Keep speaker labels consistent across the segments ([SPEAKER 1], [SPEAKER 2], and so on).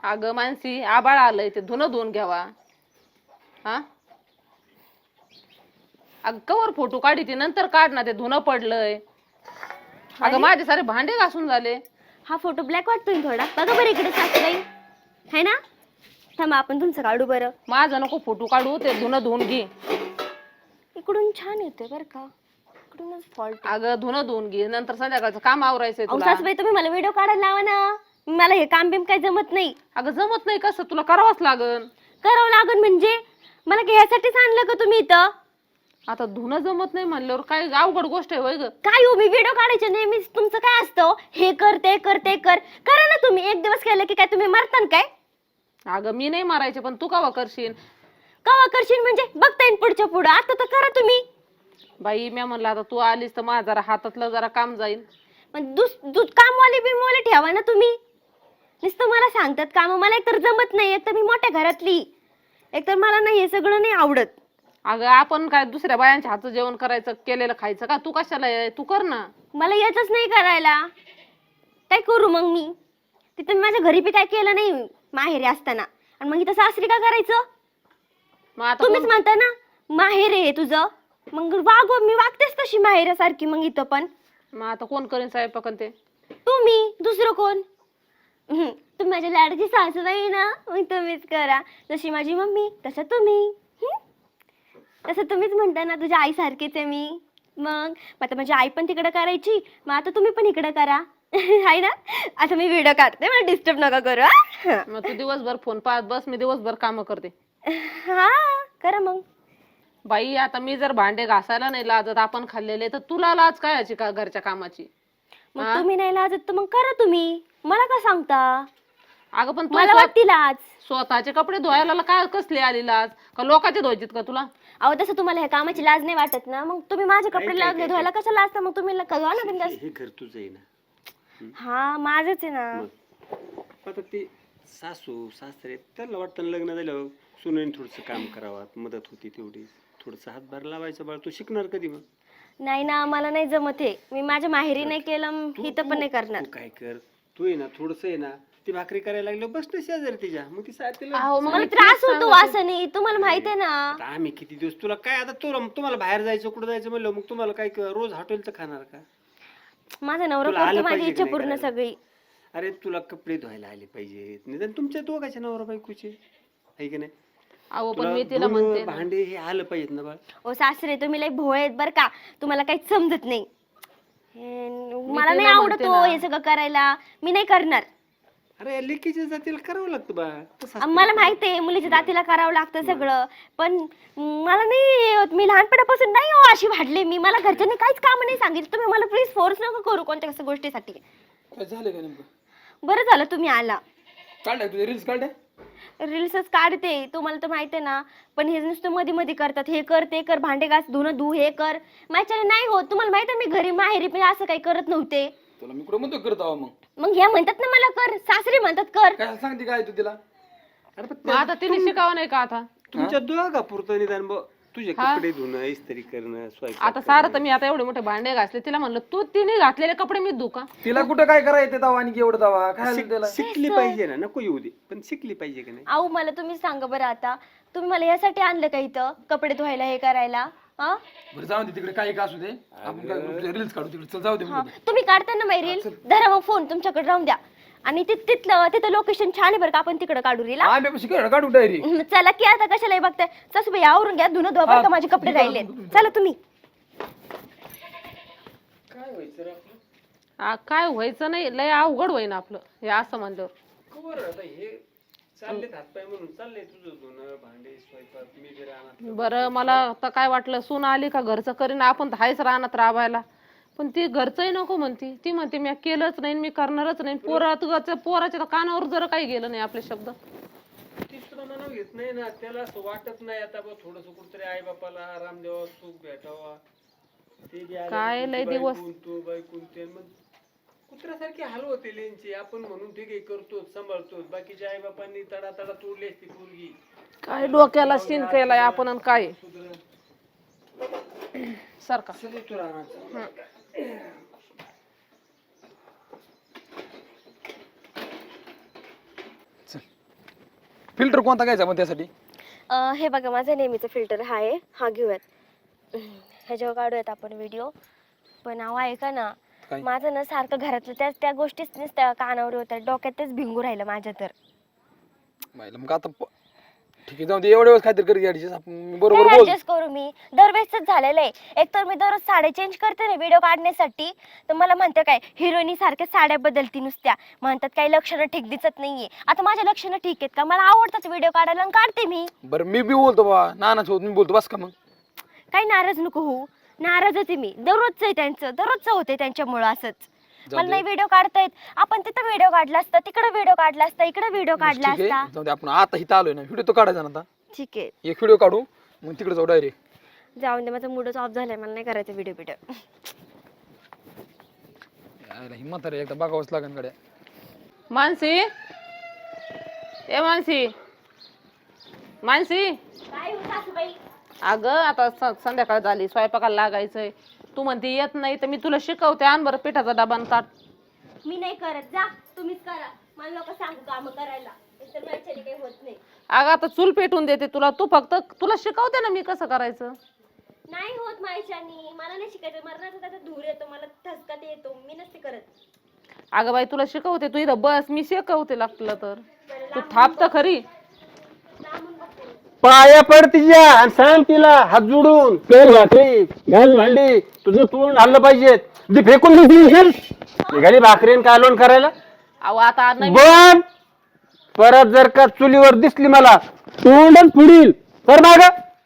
[SPEAKER 1] अगं मानसी आबाळ आलंय ते धुणं धुवून घ्यावा. हा अगं कवर फोटो काढी ती नंतर काढ ना, ते धुणं पडलंय. अगं माझे सारे भांडे घासून झाले.
[SPEAKER 2] हा फोटो ब्लॅक वाटतोय थोडा. बघा बरं इकडे सासूबाई है ना. थांबा आपण तुमचं काढू बरं.
[SPEAKER 1] माझं नको फोटो काढू, ते धुणं धुवून घे.
[SPEAKER 2] इकडून छान येतोय बरं का. इकडूनच फॉल्ट.
[SPEAKER 1] अगं धुणं धुवून घे, नंतर संध्याकाळचं काम आवरायचंय तुला.
[SPEAKER 2] सासूबाई तुम्ही मला व्हिडिओ काढायला लावा ना. मला हे काम बिम काही जमत नाही.
[SPEAKER 1] अगं जमत नाही कसं, तुला करावंच लागन.
[SPEAKER 2] करावं लागन म्हणजे मला घ्यायसाठीच आणलं का तुम्ही इथं.
[SPEAKER 1] आता धुणं जमत नाही म्हणल्यावर काय अवघड गोष्ट आहे होय ग.
[SPEAKER 2] काय हो मी व्हिडिओ काढायचे नेहमीच तुमचं काय असतं हे कर ते कर ते कर. करा ना तुम्ही. एक दिवस केलं की काय तुम्ही मरतान काय.
[SPEAKER 1] अगं मी नाही मारायचे, पण तू कवा करशील.
[SPEAKER 2] कवा करशील म्हणजे बघता येईल पुढच्या पुढं. आता तर करा तुम्ही.
[SPEAKER 1] बाई मी म्हणलं आता तू आलीस तर माझं जरा हातातलं जरा काम जाईल.
[SPEAKER 2] पण कामवाली बिमवाली ठेवा ना तुम्ही. नुसतं मला सांगतात काम. मला एकतर जमत नाही. एकतर मी मोठ्या घरातली. एकतर मला नाही हे सगळं नाही आवडत.
[SPEAKER 1] अगं आपण काय दुसऱ्या बायांच्या हातचं जेवण करायचं, केलेलं खायचं का. तू कशाला तू कर ना.
[SPEAKER 2] मला येतच नाही करायला. काय करू मग मी. तिथं माझ्या घरी बी काय केलं नाही माहेरी असताना. आणि मग इथं सासरी का करायचं.
[SPEAKER 1] मग आता
[SPEAKER 2] तुम्हीच म्हणता ना माहेर आहे तुझं. मग मी वागतेच तशी माहेरासारखी. मग इथं पण
[SPEAKER 1] मग आता कोण करेन स्वयंपाक ते.
[SPEAKER 2] तुम्ही. दुसरं कोण. तुम्ही माझ्या लाडची सासूबाई ना. मग तुम्हीच करा. जशी माझी मम्मी तसं तुम्ही. तसं तुम्हीच म्हणता ना तुझ्या आई सारखीच आहे मी. मग आता माझी आई पण तिकडं करायची. मग आता तुम्ही पण इकडं करा. आहे ना. आता मी व्हिडिओ काढते. मला डिस्टर्ब नका करू.
[SPEAKER 1] मग तू दिवसभर फोन पाहत बस, मी दिवसभर काम करते.
[SPEAKER 2] हा करा मग.
[SPEAKER 1] बाई आता मी जर भांडे घासायला नाही लाजत आपण खाल्लेले, तर तुला लाज काय याची का घरच्या कामाची.
[SPEAKER 2] मग तुम्ही नाही लाजत तर मग करा तुम्ही. मला का सांगता.
[SPEAKER 1] अगं पण
[SPEAKER 2] मला वाटती लाज.
[SPEAKER 1] स्वतःचे कपडे धुवायला काय कसले आली लाज का लोकांचे धुवायचेत का तुला.
[SPEAKER 2] अहो तसं तुम्हाला ह्या कामाची लाज नाही वाटत ना. मग तुम्ही माझे कपडे लागले धुवायला कसं लाजता. मग तुम्ही धुवा ना बिंदास.
[SPEAKER 3] हे घर तुझं आहे ना.
[SPEAKER 2] हा माझच आहे ना.
[SPEAKER 3] आता ते सासू सासरे त्यांना वाटतं लग्न झालं सुनेन थोडस काम करावं, मदत होती तेवढी. थोडस हातभार लावायचं. बाळ तू शिकणार कधी मग.
[SPEAKER 2] नाही ना मला नाही जमत हे. मी माझ्या माहेरी नाही केलं इथं पण नाही करणार.
[SPEAKER 3] तू काय कर, तू आहे ना थोडस आहे ना ती भाकरी करायला लागलो बस ना शेजारी तिच्या. मग ती तिला
[SPEAKER 2] मला त्रास होतो वासाने. तुम्हाला माहित आहे ना.
[SPEAKER 3] आता आम्ही किती दिवस तुला काय आता तुम्हाला बाहेर जायचं कुठं जायचं म्हणलं मग तुम्हाला काय रोज हॉटेलचं खाणार का.
[SPEAKER 2] माझा नवरा करतो माझी इच्छा पूर्ण सगळी.
[SPEAKER 3] अरे तुला कपडे धुवायला आले पाहिजेत निदान तुमच्या दोघांच्या नवरा बायकोचे आहे की नाही.
[SPEAKER 1] अहो पण मी तिला म्हणते
[SPEAKER 3] भांडे हे आलं पाहिजेत ना बाळ.
[SPEAKER 2] ओ सासरे तुम्ही लय भोळे आहेत बर का. तुम्हाला काहीच समजत नाही. मला नाही आवडत हे सगळं करायला. मी नाही करणार.
[SPEAKER 3] अरे लेकीच्या जातीला करावं लागतं बा.
[SPEAKER 2] मला माहिती आहे मुलीच्या जातीला करावं लागतं सगळं. पण मला नाही. मी लहानपणापासून नाही हो अशी वाढले मी. मला घरच्यांनी काहीच काम नाही सांगितलं. तुम्ही मला प्लीज फोर्स नका करू कोणत्या कसं गोष्टीसाठी.
[SPEAKER 4] काय झालं का नेमकं.
[SPEAKER 2] बरं झालं तुम्ही आला.
[SPEAKER 4] काढलाय तुझे रील्स काढले.
[SPEAKER 2] रील्सच काढते तुम्हाला तर माहिती आहे ना. पण हे नुसतं मध्ये मध्ये करतात. हे कर ते कर भांडे घास धुणं धु हे कर. माझ्याने नाही होत. तुम्हाला माहिती आहे मी घरी माहेरी पण असं काही करत नव्हते.
[SPEAKER 4] तुला मी कुठं म्हणतो करत आहो
[SPEAKER 2] मग ह्या म्हणतात ना मला कर. सासरी म्हणतात कर.
[SPEAKER 4] काय सांगते काय तू तिला.
[SPEAKER 3] अरे
[SPEAKER 1] मग आता तिने शिकावं नाही का आता.
[SPEAKER 3] तुमच्या दोघा पुरतं निदान तुझे कपडे धुणं इस्त्री करणं स्वयंपाक
[SPEAKER 1] आता सारं तर मी आता एवढे मोठे भांडे घासले. तिला म्हणलं तू तिने घातलेले कपडे मी धुका.
[SPEAKER 4] तिला कुठं काय करायचं दावा आणि एवढं दावा काय त्याला.
[SPEAKER 3] शिकली पाहिजे ना. नको येऊ दे पण शिकली पाहिजे की नाही.
[SPEAKER 2] आऊ मला तुम्ही सांगा बरं आता. तुम्ही मला यासाठी आणलं का इथं कपडे धुवायला हे करायला.
[SPEAKER 4] बरं जाऊ दे तिकडे काय का असू दे. आपण काय रील्स काढू तिकडे. चल जाऊ दे.
[SPEAKER 2] तुम्ही काढताना माही रील धरा मग फोन तुमच्याकडे राहून द्या. आणि तिथं लोकेशन छान आहे बरं का. आपण तिकडे काढू रील.
[SPEAKER 4] आम्ही काढू डायरी.
[SPEAKER 2] चला की आता कशाला बघताय. सासूबाई आवरून घ्या धुणं धुवा बरं का. माझे कपडे राहिले. चला तुम्ही.
[SPEAKER 3] काय व्हायचं रे आपलं.
[SPEAKER 1] काय व्हायचं नाही. लय अवघड होईन आपलं हे असं म्हणल्यावर.
[SPEAKER 3] आता हे चालले हातपाय म्हणून चाललंय तुझं धुणं भांडे स्वयंपाक मी घरी आणत.
[SPEAKER 1] बरं मला आता काय वाटलं सून आली का घरचं करीन. आपण तर हायच रानात राबायला. पण ती घरचंही नको म्हणती. ती म्हणते मी केलंच नाही मी करणारच नाही. पोराच्या कानावर जर काही गेलं नाही आपले शब्द.
[SPEAKER 3] ती सुद्धा मनाव घेत नाही ना. त्याला असं वाटत नाही आता बघ थोडस कुठतरी आई बापाला आराम द्यावा सुख भेटावा. ते
[SPEAKER 1] काय लय दिवस
[SPEAKER 3] तू बायकून ते मग कुत्र्यासारखी हाल होते लेंची. आपण म्हणून ठीक आहे करतो सांभाळतो. बाकीच्या आई बापांनी तडा तडा तोडली असती पोरगी.
[SPEAKER 1] काय डोक्याला शिन केलाय आपण आणि काय सारखा.
[SPEAKER 4] चल फिल्टर कोणता घ्यायचा पण त्यासाठी?
[SPEAKER 2] हे बघा माझा नेहमीचा फिल्टर हा आहे, हा घेऊयात. ह्याच्यावर काढूयात आपण व्हिडिओ. पण अहो ऐका ना,
[SPEAKER 4] काय?
[SPEAKER 2] माझं ना सारखं घरातलं त्या गोष्टीच नुसत्या कानावर होत्या, डोक्यातच भिंगू राहिलं माझ्या तर.
[SPEAKER 4] मग आता ठीक आहे, जाऊ दे. एवढ्या वेळेस काहीतरी करी ऍडजस्ट. आपण बरोबर बोल.
[SPEAKER 2] ऍडजस्ट करू मी? दरवेळेसच झालेलं आहे. एक तर मी दररोज साड्या चेंज करते ना व्हिडिओ काढण्यासाठी, तर मला म्हणते काय हिरोईनी सारख्या साड्या बदलती नुसत्या, म्हणतात काही लक्षणं ठीक दिसत नाहीये. आता माझ्या लक्षणं ठीक आहेत का? मला आवडतात व्हिडिओ काढायला आणि काढते मी.
[SPEAKER 4] बरं मी बी बोलतो बा, नानाच होत मी बोलतो बस का मग.
[SPEAKER 2] काही नाराज नको होऊ. नाराजच आहे मी, दररोजच आहे त्यांचं, दररोजच होते त्यांच्यामुळं असंच.
[SPEAKER 4] जाऊ
[SPEAKER 2] मला
[SPEAKER 4] दे.
[SPEAKER 2] नाही व्हिडिओ काढता येत. आपण तिथं व्हिडिओ काढला असता, तिकडे व्हिडिओ काढला असता, इकडे व्हिडिओ काढला
[SPEAKER 4] ठीक
[SPEAKER 2] असता.
[SPEAKER 4] आहे, जाऊ दे. आपण आता इथं आलोय ना, व्हिडिओ तो काढायचा ना आता.
[SPEAKER 2] ठीक आहे,
[SPEAKER 4] एक व्हिडिओ काढू मग तिकडे जाऊ डायरेक्ट.
[SPEAKER 2] जाऊन दे, माझा मूडच ऑफ झालाय, मला नाही करायचं व्हिडिओ व्हिडिओ.
[SPEAKER 4] हिम्मत रे, एकदा बघावंच लागेल कडे.
[SPEAKER 1] मानसी, ए मानसी, मानसी.
[SPEAKER 2] काय हो सासूबाई?
[SPEAKER 1] अगं आता संध्याकाळ झाली, स्वयंपाकाला लागायचंय. तू म्हणते येत नाही तर मी तुला शिकवते. आण बरं पिठाचा डबा आणि ताट.
[SPEAKER 2] मी नाही करत, जा तुम्हीच करा. मला लोक सांगू काम करायला, तर माझ्याने काही होत नाही.
[SPEAKER 1] अगं आता चूल पेटून देते तुला, तू फक्त तुला शिकवते ना मी कसं करायचं.
[SPEAKER 2] नाही होत माझ्याने, मला नाही शिकायचं. मरणाचा त्याचा धूर येतो, मला ठसका ते येतो, मी नसते करत.
[SPEAKER 1] अगं बाई तुला शिकवते, तू इथं बस, मी शिकवते लागलं तर. तू थांब तर खरी.
[SPEAKER 2] लांबून बघते.
[SPEAKER 3] पाया पड तिच्या आणि सांग तिला हात जोडून, कर भाकरी, घाल भांडी, तुझं तोंड हल्लं पाहिजे. ती फेकून निघाली भाकरीन कालवण करायला.
[SPEAKER 1] अहो आता नाही.
[SPEAKER 3] बन परत जर का चुलीवर दिसली मला तोंडच फुडील तर माग.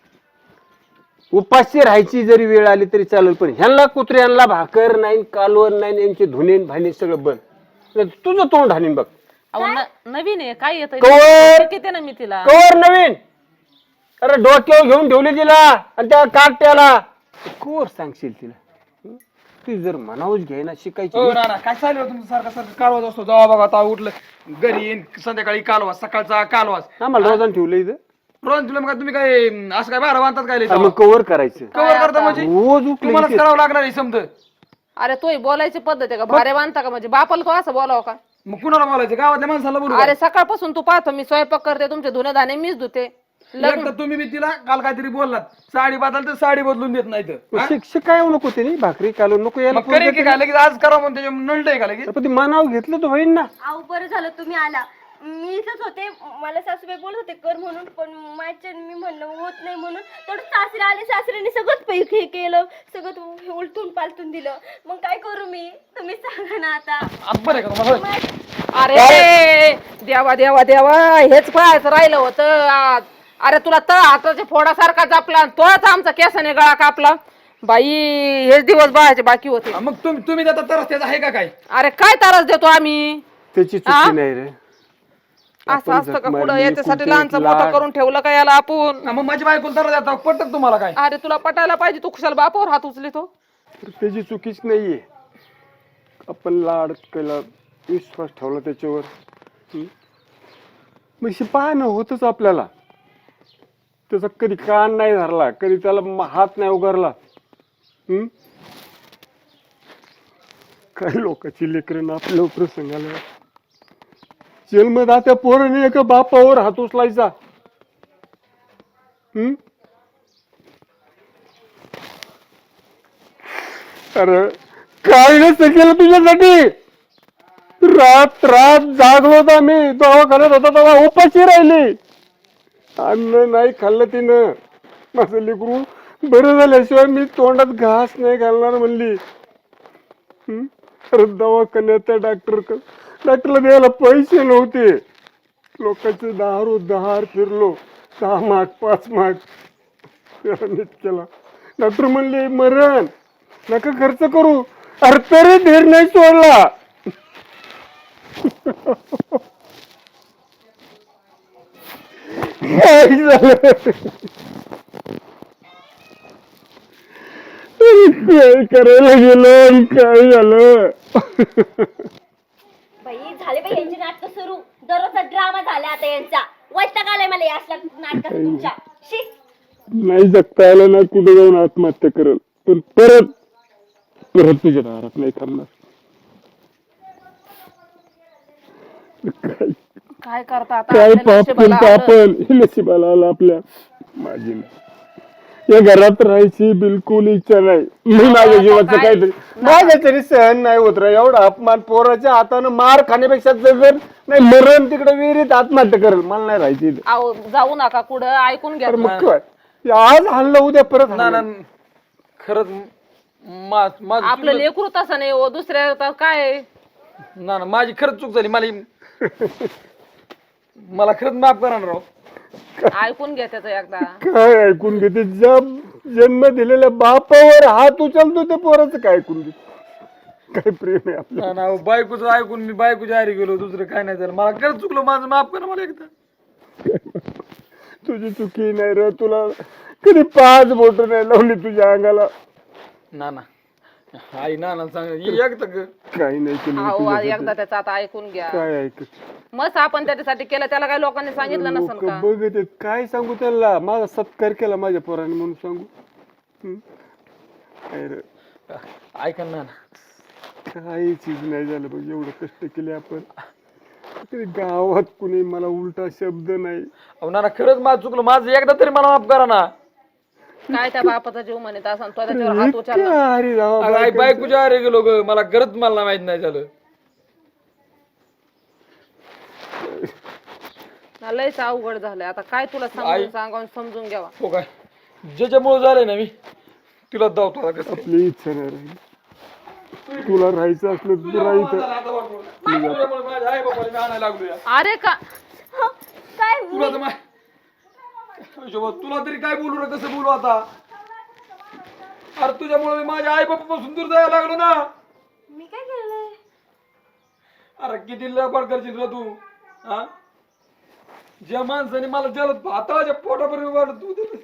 [SPEAKER 3] उपाशी राहायची जरी वेळ आली तरी चालेल, पण ह्यांना कुत्र्यांना भाकर नाही, कालवण नाही, यांचे धुणे भांडे सगळं बंद. तुझं तोंड हाणीन बघ.
[SPEAKER 1] अहो नवीन आहे काय येत
[SPEAKER 3] कवर
[SPEAKER 1] किती ना मी तिला.
[SPEAKER 3] कवर नवीन. अरे डोक्यावर घेऊन ठेवली तिला आणि त्या काट्याला कवर सांगशील तिला. ती जर मनावच घ्यायना शिकायची.
[SPEAKER 4] हो ना, काय चालू तुमचं सारखं सारखं कालवाच असतो. जावा बघा आता उठलं घरी येईन, संध्याकाळी कालवास, सकाळचा कालवास.
[SPEAKER 3] आम्हाला रोजान ठेवलं इथं.
[SPEAKER 4] रोज तुला मग तुम्ही काय असं काय बारा बांधतात काय?
[SPEAKER 3] मग कवर करायचं
[SPEAKER 4] कवर करता म्हणजे
[SPEAKER 3] रोज उठलं
[SPEAKER 4] तुम्हालाच
[SPEAKER 3] इथे.
[SPEAKER 4] करावं लागणार आहे समज.
[SPEAKER 1] अरे तोही बोलायची पद्धत आहे का? भारे बांधता का? म्हणजे बापाला तो असं बोलावं का?
[SPEAKER 4] मग कुणाला बोलायचं? गावातल्या माणसाला बोलू.
[SPEAKER 1] अरे सकाळपासून तू पाहतो मी स्वयंपाक करते, तुमचे धुणे धाणे मीच धुते.
[SPEAKER 4] एक तर तुम्ही बी तिला काल काहीतरी बोललात, साडी बदल तर साडी बदलून देत नाही तर.
[SPEAKER 3] शिक्षक काय नको ते नाही, भाकरी कालवण नको यायला.
[SPEAKER 4] मग करेन की काय लगेच आज करा म्हणून त्याच्या नळत आहे का लगेच?
[SPEAKER 3] पण ते मनाव घेतलं तर होईन ना.
[SPEAKER 2] आऊ बरं झालं तुम्ही आला. मी इथंच होते, मला सासूबाई बोलत होते कर म्हणून, पण माझ्या मी म्हणलं होत नाही म्हणून. थोडं सासरे आले, सासऱ्याने सगळंच पैकी केलं, सगळं उलटून पालटून दिलं. मग काय करू मी? तुम्ही सांगा ना आता.
[SPEAKER 4] बरं आहे का तुम्हाला?
[SPEAKER 1] अरे देवा देवा देवा, हेच पाहायचं राहिलं होतं आज. अरे तुला तळ हाताच्या फोडासारखा जापला, तोच आमचा केसाने गळा कापला. बाई हेच दिवस बाळाचे बाकी होते.
[SPEAKER 4] मग तुम्ही जाता तरच त्याचा आहे का काय?
[SPEAKER 1] अरे काय त्रास देतो आम्ही?
[SPEAKER 3] त्याची चुकी नाही रे.
[SPEAKER 1] असं असतं का पुढं? याच्यासाठी लहानचं मोठं करून ठेवलं का याला आपण?
[SPEAKER 4] मग माझी बायको तर जाता पटत तुम्हाला काय?
[SPEAKER 1] अरे तुला पटायला पाहिजे, तू कुशाल बापावर हात उचलितो.
[SPEAKER 3] त्याची चुकीच नाहीये. आपण लाड केला, विश्वास ठेवला त्याच्यावर. मग पाहणं होतच आपल्याला. त्याचा कधी कान नाही धरला, कधी त्याला हात नाही उगारला. काही लोकांची लेकरं आपल्या प्रसंगाला जन्मदात्या पोराने एका बापावर हात उचलायचा. अरे काय नसतं केलं तुझ्यासाठी. रात रात जागलो होता मी, दवाखान्यात होता तेव्हा उपाशी राहिली. अन्न नाही खाल्लं तिनं. माझं लेकरू बरं झाल्याशिवाय मी तोंडात घास नाही घालणार म्हणली. अरे दवाखान्यात त्या डॉक्टरला द्यायला पैसे नव्हते. लोकांचे दहार फिरलो, 6 माग 5 माग नीट केला. डॉक्टर म्हणले मरण नका खर्च करू. अरे तरी धीर नाही सोडला. काय झालं? काय करायला गेलो आणि काय झालं?
[SPEAKER 2] बाई झाले बाई यांचे नाटक सुरू. दररोजचा ड्रामा झाला आता यांचा. वैताग आलाय मला या नाटकाचा तुमच्या. शी.
[SPEAKER 3] नाही जगता आलं ना, कुठे जाऊन आत्महत्या करल, पण परत तुझ्या दारात नाही थांबणार. काय
[SPEAKER 1] काय करता आता
[SPEAKER 3] काय
[SPEAKER 1] आपल्या
[SPEAKER 3] पाप
[SPEAKER 1] नशिबाला
[SPEAKER 3] केलं
[SPEAKER 1] आलं.
[SPEAKER 3] आपण हे नशिबाला आलं आपल्या. माझी नाही. या घरात राहायची बिलकुल इच्छा नाही. मी माझ्या
[SPEAKER 1] आता
[SPEAKER 3] जीवाचं
[SPEAKER 1] काय-
[SPEAKER 3] काहीतरी माझ्या तरी सहन नाही होत रे. एवढा अपमान पोराच्या हातानं मार खाण्यापेक्षा जगन नाही मरण तिकडे विहिरीत आत्महत्या करेल. मला नाही राहायची इथं.
[SPEAKER 1] अहो, जाऊ नका कुठं, ऐकून घ्या.
[SPEAKER 3] तर मग काय आज हल्लं उद्या परत
[SPEAKER 4] ना
[SPEAKER 3] हाणलं.
[SPEAKER 4] ना खरंच माझं
[SPEAKER 1] आपलं लेकरू तसं नाही हो, दुसऱ्या तर काय.
[SPEAKER 4] ना ना माझी खरंच चूक झाली. मला खरंच माफ करा ना राव.
[SPEAKER 1] ऐकून घ्या त्याचं एकदा.
[SPEAKER 3] काय ऐकून घेते जन्म दिलेल्या बापावर हात उचलतो ते पोराचं काय ऐकून घेते. काय प्रेम आहे आपलं.
[SPEAKER 4] ना ना बायकोचं ऐकून मी बायकोच्या आरी गेलो. दुसरं काय नाही झालं. मला खरंच चुकलं. माझं माफ करा मला एकदा.
[SPEAKER 3] तुझी चुकी नाही रे. तुला कधी 5 बोट नाही लावली तुझ्या अंगाला.
[SPEAKER 4] ना ना आई ना ना सांग एकदा
[SPEAKER 3] काही नाही केलं मी
[SPEAKER 1] अहो
[SPEAKER 3] तुझ्यासाठी.
[SPEAKER 1] एकदा त्याचं आता ऐकून घ्या.
[SPEAKER 3] काय ऐक
[SPEAKER 1] मस्त आपण त्याच्यासाठी केलं, त्याला काही लोकांनी सांगितलं नसेल
[SPEAKER 3] लोक
[SPEAKER 1] का?
[SPEAKER 3] बघत आहेत. काय सांगू त्यांना माझा सत्कार केला माझ्या पोराने म्हणून सांगू. काय रे
[SPEAKER 4] ऐका ना ना.
[SPEAKER 3] काही चीज नाही झालं बघ. एवढं कष्ट केले आपण तरी गावात कुणी मला उलटा शब्द नाही.
[SPEAKER 4] अहो ना ना खरंच माझं चुकलं. माझं एकदा तरी मला माफ करा ना.
[SPEAKER 1] काय त्या बापाचा जीव म्हणत असं तो त्याच्यावर हात उचलला.
[SPEAKER 3] अरे राव,
[SPEAKER 4] अगं, आई बायकोच्या आरी गेलो ग. मला खरंच मला माहित नाही झालं.
[SPEAKER 1] लयच अवघड झालंय आता. काय तुला सांगावून समजून घ्यावा.
[SPEAKER 4] हो काय ज्याच्यामुळे झालंय ना मी तिला धावतो आता कसं.
[SPEAKER 3] आपली इच्छा नाही राहिली. तुला राहायचं असलं तर तू राहायचं.
[SPEAKER 4] तुझ्यामुळे माझ्या आई बापाला मी आणायला लागलो या.
[SPEAKER 1] अरे का
[SPEAKER 2] काय
[SPEAKER 4] तुला तर तुला तरी काय बोलू रे. कसं बोलू आता. अरे तुझ्यामुळे मी माझ्या आई बापापासून दूर जायला लागलो ना.
[SPEAKER 2] मी काय केलंय?
[SPEAKER 4] अरे किती लबाड करशील रे तू. हा ज्या माणसाने मला जलद हाताच्या पोटापर्यंत वाढत तू दिलं.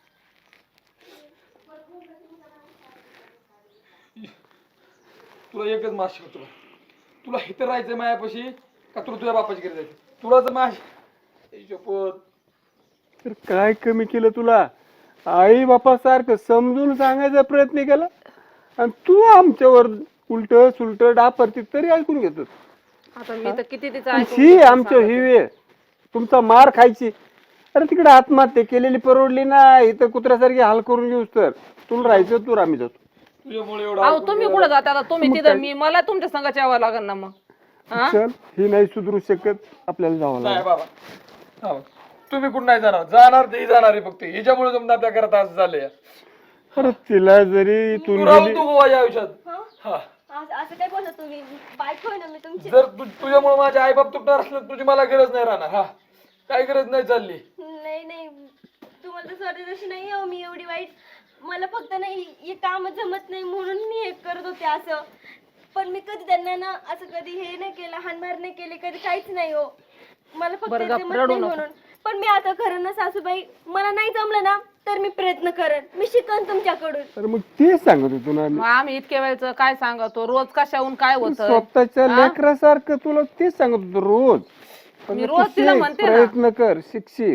[SPEAKER 4] तुला एकच मास शिकवतो. तुला इथं राहायचंय मायापाशी का तुला तुझ्या बापाची घरी जायचं. तुला तर माझ
[SPEAKER 3] तर काय कमी केलं तुला. आई बापा सारखं समजून सांगायचा प्रयत्न केला आणि तू आमच्यावर उलट सुलट डापरती तरी ऐकून घेतो.
[SPEAKER 1] आता मी तर किती तिचं ऐकून
[SPEAKER 3] ही
[SPEAKER 1] घेतलं
[SPEAKER 3] आमच्या
[SPEAKER 1] सांगते.
[SPEAKER 3] ही वेळ तुमचा मार खायची. अरे तिकडे आत्महत्या केलेली परवडली ना. इथं कुत्र्यासारखी हाल करून घेऊस तर तुला राहायचं तू आम्ही जातो.
[SPEAKER 4] तुझ्यामुळे एवढा
[SPEAKER 1] अहो तुम्ही कुठं जाता आता? तुम्ही तिथं, मी मला तुमच्या संघात यावं लागेल ना मग. हा?
[SPEAKER 3] चल ही नाही सुधरू शकत. आपल्याला जावं
[SPEAKER 4] नाही
[SPEAKER 3] लागेल.
[SPEAKER 4] बाबा. हो. तुम्ही कुठं नाही जाणार ते जाणार आहे फक्त. हिच्यामुळे जमलं आपल्या घरात असं झालंय.
[SPEAKER 3] अरे तिला जरी
[SPEAKER 4] तू
[SPEAKER 3] तू
[SPEAKER 4] राहू तू माझ्या आयुष्यात. हा
[SPEAKER 2] असं काय बोलता तुम्ही? बायको आहे ना मी तुमची.
[SPEAKER 4] जर तुझ्यामुळे माझे आई बाप तुटणार असलं तुझी मला गरज नाही राहणार. हा काय गरज नाही चालली.
[SPEAKER 2] नाही नाही, तुम्हाला तर स्वतः तशी नाही हो मी एवढी वाईट. मला फक्त नाही हे काम जमत नाही म्हणून मी हे करत होते असं. पण मी कधी त्यांना ना असं कधी हे नाही केलं, हाणमार नाही केली कधी, काहीच नाही हो. मला फक्त
[SPEAKER 1] बरं
[SPEAKER 2] हे
[SPEAKER 1] गप्प,
[SPEAKER 2] जमत
[SPEAKER 1] रडू
[SPEAKER 2] नाही
[SPEAKER 1] नको.
[SPEAKER 2] म्हणून. पण मी आता खरं ना सासूबाई, मला नाही जमलं ना तर मी प्रयत्न करेन. मी शिकन तुमच्याकडून.
[SPEAKER 3] तर मग तेच सांगत होतो ना
[SPEAKER 1] मग आम्ही इतक्या वेळचं काय सांगतो, रोज कशाहून काय होत.
[SPEAKER 3] स्वतःच्या लेकरासारखं तुला तेच सांगत होतो रोज. पण
[SPEAKER 1] मी
[SPEAKER 3] मग
[SPEAKER 1] रोज
[SPEAKER 3] तू
[SPEAKER 1] तिला
[SPEAKER 3] शिक,
[SPEAKER 1] म्हणते ना.
[SPEAKER 3] प्रयत्न कर शिकशील.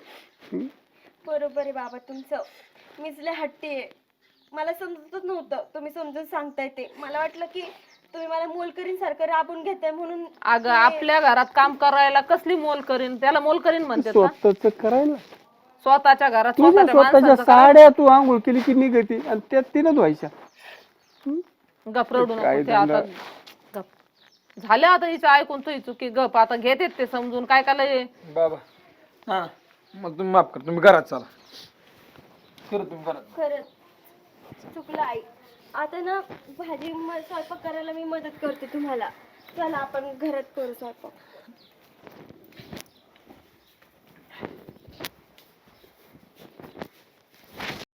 [SPEAKER 2] बरोबर आहे बाबा तुमचं. मीच लय हट्टी आहे. मला समजतच नव्हतं तुम्ही समजून सांगताय ते. मला वाटलं की तुम्ही मला मोलकरीन सारखं राबून घेताय म्हणून.
[SPEAKER 1] अगं आपल्या घरात काम करायला कसली मोल करीन? त्याला मोल करीन म्हणते का?
[SPEAKER 3] स्वतःच करायला
[SPEAKER 1] स्वतःच्या घरात
[SPEAKER 3] तुझ्या
[SPEAKER 1] स्वतःच्या
[SPEAKER 3] स्वतःच्या
[SPEAKER 1] माणसाचं करायला.
[SPEAKER 3] साड्या तू आंघोळ केली की निघती आणि त्यात तिनं धुवायच्या.
[SPEAKER 1] गप रडू नको
[SPEAKER 3] काय
[SPEAKER 1] ते आता.
[SPEAKER 3] धंदा?
[SPEAKER 1] गप झालं आता हिचं ऐकून तुझी चुकी. गप आता घेते ते समजून. काय काय
[SPEAKER 4] बाबा हा मग तुम्ही माफ कर. तुम्ही घरात चला. खरं तुम्ही घरात.
[SPEAKER 2] खरंच चुकलं आई. आता ना भाजी स्वयंपाक करायला मी मदत करते तुम्हाला. चला आपण घरात करू स्वयंपाक.